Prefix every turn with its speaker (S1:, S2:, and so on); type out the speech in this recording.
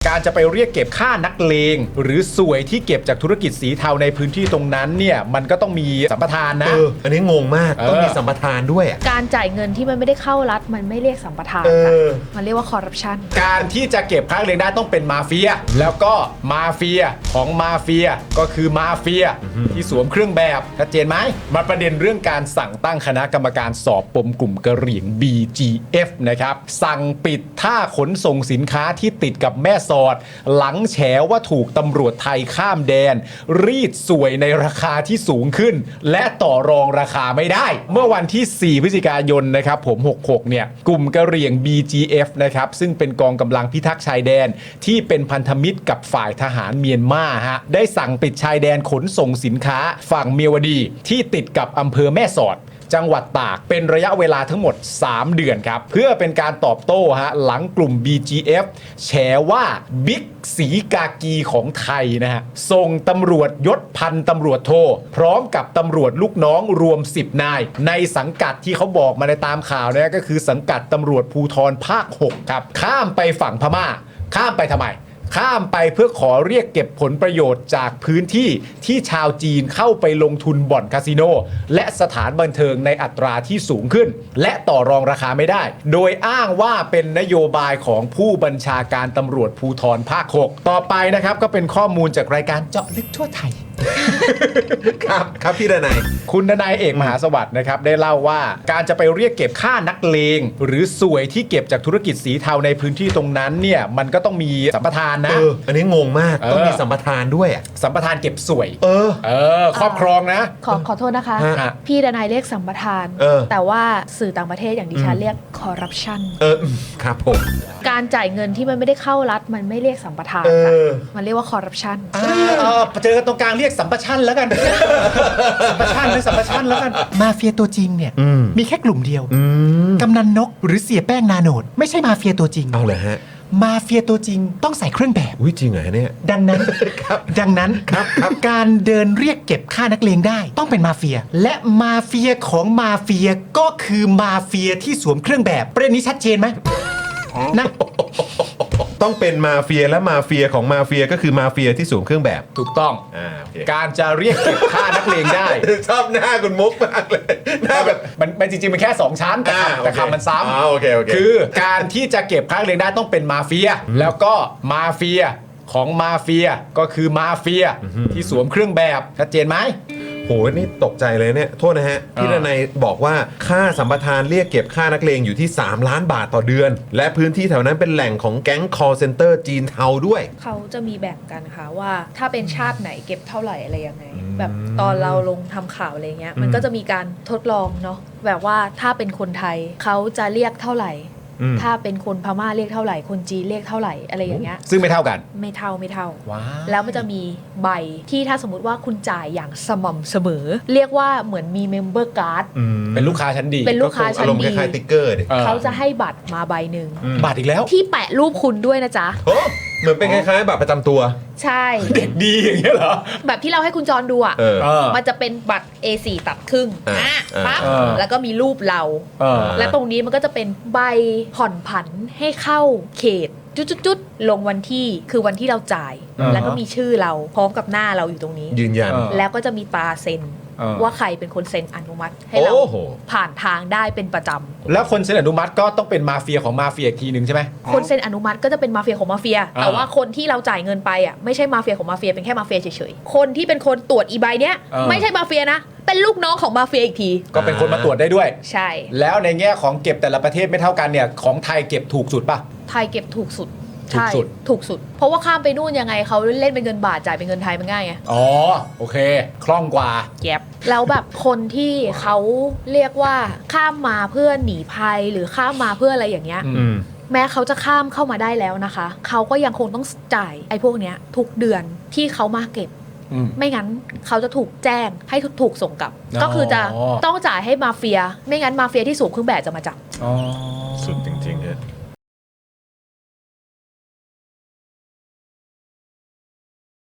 S1: การจะไปเรียกเก็บค่านักเลงหรือสวยที่เก็บจากธุรกิจสีเทาในพื้นที่ตรงนั้นเนี่ยมันก็ต้องมีสัมปทานนะ
S2: อันนี้งงมากต้องมีสัมปทานด้วย
S3: การจ่ายเงินที่มันไม่ได้เข้ารัฐมันไม่เรียกสัมปทานค่ะมันเรียกว่าคอร์รัปชัน
S1: การที่จะเก็บค่านักเลงได้ต้องเป็นมาเฟียแล้วก็มาเฟียของมาเฟียก็คือมาเฟียที่สวมเครื่องแบบชัดเจนไหมมาประเด็นเรื่องการสั่งตั้งคณะกรรมการสอบปมกลุ่มกะเหรี่ยง BGF นะครับสั่งปิดท่าขนส่งสินค้าที่ติดกับแม่สอดหลังแฉว่าถูกตำรวจไทยข้ามแดนรีดสวยในราคาที่สูงขึ้นและต่อรองราคาไม่ได้เมื่อวันที่4พฤศจิกายนนะครับผม66เนี่ยกลุ่มกะเหรี่ยง BGF นะครับซึ่งเป็นกองกำลังพิทักษ์ชายแดนที่เป็นพันธมิตรกับฝ่ายทหารเมียนมาฮะได้สั่งปิดชายแดนขนส่งสินค้าฝั่งเมียวดีที่ติดกับอำเภอแม่สอดจังหวัดตากเป็นระยะเวลาทั้งหมด3เดือนครับเพื่อเป็นการตอบโต้ฮะหลังกลุ่ม BGF แฉว่าบิ๊กสีกากีของไทยนะฮะส่งตำรวจยศพันตำรวจโทพร้อมกับตำรวจลูกน้องรวม10นายในสังกัดที่เขาบอกมาในตามข่าวเนี่ยก็คือสังกัดตำรวจภูธรภาค6ครับข้ามไปฝั่งพม่าข้ามไปทำไมข้ามไปเพื่อขอเรียกเก็บผลประโยชน์จากพื้นที่ที่ชาวจีนเข้าไปลงทุนบ่อนคาสิโนและสถานบันเทิงในอัตราที่สูงขึ้นและต่อรองราคาไม่ได้โดยอ้างว่าเป็นนโยบายของผู้บัญชาการตำรวจภูธรภาค6ต่อไปนะครับก็เป็นข้อมูลจากรายการเจาะลึกทั่วไทย
S2: ครับพี่ดนัย
S1: คุณดนัยเอกมหาสวัสดิ์นะครับได้เล่าว่าการจะไปเรียกเก็บค่านักเลงหรือสวยที่เก็บจากธุรกิจสีเทาในพื้นที่ตรงนั้นเนี่ยมันก็ต้องมีสัมปทานนะ
S2: อันนี้งงมากต้องมีสัมปทานด้วย
S1: สัมปทานเก็บสวยครอบครองนะ
S3: ขอโทษนะคะพี่ดนัยเรียกสัมปทานแต่ว่าสื่อต่างประเทศอย่างดิฉันเรียกคอร์รัปชัน
S2: ครับผม
S3: การจ่ายเงินที่มันไม่ได้เข้ารัฐมันไม่เรียกสัมปทานค่ะมันเรียกว่าคอร์รัปชัน
S1: เจอกันตรงกลางเรียกสัมปชันแล้วกันสัมปชันหรือสัมปชันแล้วกัน
S4: มาเฟียตัวจริงเนี่ยมีแค่กลุ่มเดียวกำนันนกหรือเสียแป้งนาโนดไม่ใช่มาเฟียตัวจริง
S2: เอาเลยฮะ
S4: มาเฟียตัวจริงต้องใส่เครื่องแบบ
S2: จริงเหรอเนี่ย
S4: ดังนั้นการเดินเรียกเก็บค่านักเลงได้ต้องเป็นมาเฟียและมาเฟียของมาเฟียก็คือมาเฟียที่สวมเครื่องแบบประเด็นนี้ชัดเจนไหมนะ
S2: ต้องเป็นมาเฟียและมาเฟียของมาเฟียก็คือมาเฟียที่สวมเครื่องแบบ
S1: ถูกต้องการจะเรียกเก็บค่านักเลงได้
S2: ชอบหน้าคุณมุกมากเลยหน้าแบบ
S1: มันจริงๆมันแค่2ชั้นแต่คำมันซ้
S2: ำ
S1: คือการที่จะเก็บค่านักเลงได้ต้องเป็นมาเฟียแล้วก็มาเฟียของมาเฟียก็คือมาเฟียที่สวมเครื่องแบบชัดเจนไหม
S2: โหนี่ตกใจเลยเนี่ยโทษนะฮะพี่ดนัยบอกว่าค่าสัมปทานเรียกเก็บค่านักเลงอยู่ที่3ล้านบาทต่อเดือนและพื้นที่แถวนั้นเป็นแหล่งของแก๊ง call center จีนเทาด้วย
S3: เขาจะมีแบ่งกันค่ะว่าถ้าเป็นชาติไหนเก็บเท่าไหร่อะไรยังไงแบบตอนเราลงทำข่าวอะไรเงี้ยมันก็จะมีการทดลองเนาะแบบว่าถ้าเป็นคนไทยเขาจะเรียกเท่าไหร่ถ้าเป็นคนพม่าเรียกเท่าไหร่คนจีนเรียกเท่าไหร่อะไรอย่างเงี้ย
S1: ซึ่งไม่เท่ากัน
S3: ไม่เท่าแล้วมันจะมีใบที่ถ้าสมมติว่าคุณจ่ายอย่างสม่ำเสมอเรียกว่าเหมือนมีเมมเบอร์การ์ด
S1: เป็นลูกค้าชั้นดี
S3: เป็นลูกค้าชั้นดี
S2: คล้ายๆติ๊กเกอร์
S3: เขาจะให้บัตรมาใบหนึ่ง
S1: บัตรอีกแล้ว
S3: ที่แปะรูปคุณด้วยนะจ๊ะ
S2: เหมือนเป็นคล้ายๆบัตรประจำตัว
S3: ใช่
S1: เด็กดีอย่างเงี้ยเหรอ
S3: แบบที่เราให้คุณจรดูอ่ะมันจะเป็นบัตร A4 ตัดครึ่งปั๊บแล้วก็มีรูปเราและตรงนี้มันก็จะเป็นใบผ่อนผันให้เข้าเขตจุดๆลงวันที่คือวันที่เราจ่ายแล้วก็มีชื่อเราพร้อมกับหน้าเราอยู่ตรงนี้
S2: ยืนยัน
S3: แล้วก็จะมีตราเซ็นว่าใครเป็นคนเซ็นอนุมัติให้เราผ่านทางได้เป็นประจ
S1: ำแล้วคนเซ็นอนุมัติก็ต้องเป็นมาเฟียของมาเฟียอีกทีหนึ่งใช่ไหม
S3: คนเซ็นอนุมัติก็จะเป็นมาเฟียของมาเฟียแต่ว่าคนที่เราจ่ายเงินไปอ่ะไม่ใช่มาเฟียของมาเฟียเป็นแค่มาเฟียเฉยๆคนที่เป็นคนตรวจอีใบเนี้ยไม่ใช่มาเฟียนะเป็นลูกน้องของมาเฟียอีกที
S1: ก็เป็นคนมาตรวจได้ด้วย
S3: ใช่
S1: แล้วในแง่ของเก็บแต่ละประเทศไม่เท่ากันเนี่ยของไทยเก็บถูกสุดป่ะ
S3: ไทยเก็บถูกสุดใช่ถูกสุดเพราะว่าข้ามไปนู่นยังไงเขาเล่นเป็นเงินบาทจ่ายเป็นเงินไทยมันง่ายไง
S1: อ๋อโอเคคล่องกว่า
S3: แก็บแล้วแบบคนที่เขาเรียกว่าข้ามมาเพื่อหนีภัยหรือข้ามมาเพื่ออะไรอย่างเงี้ยแม้เขาจะข้ามเข้ามาได้แล้วนะคะเขาก็ยังคงต้องจ่ายไอ้พวกเนี้ยทุกเดือนที่เขามาเก็บไม่งั้นเขาจะถูกแจ้งให้ถูกส่งกลับก็คือจะต้องจ่ายให้มาเฟียไม่งั้นมาเฟียที่สูงเครื่องแบบจะมาจับ
S1: สุดจ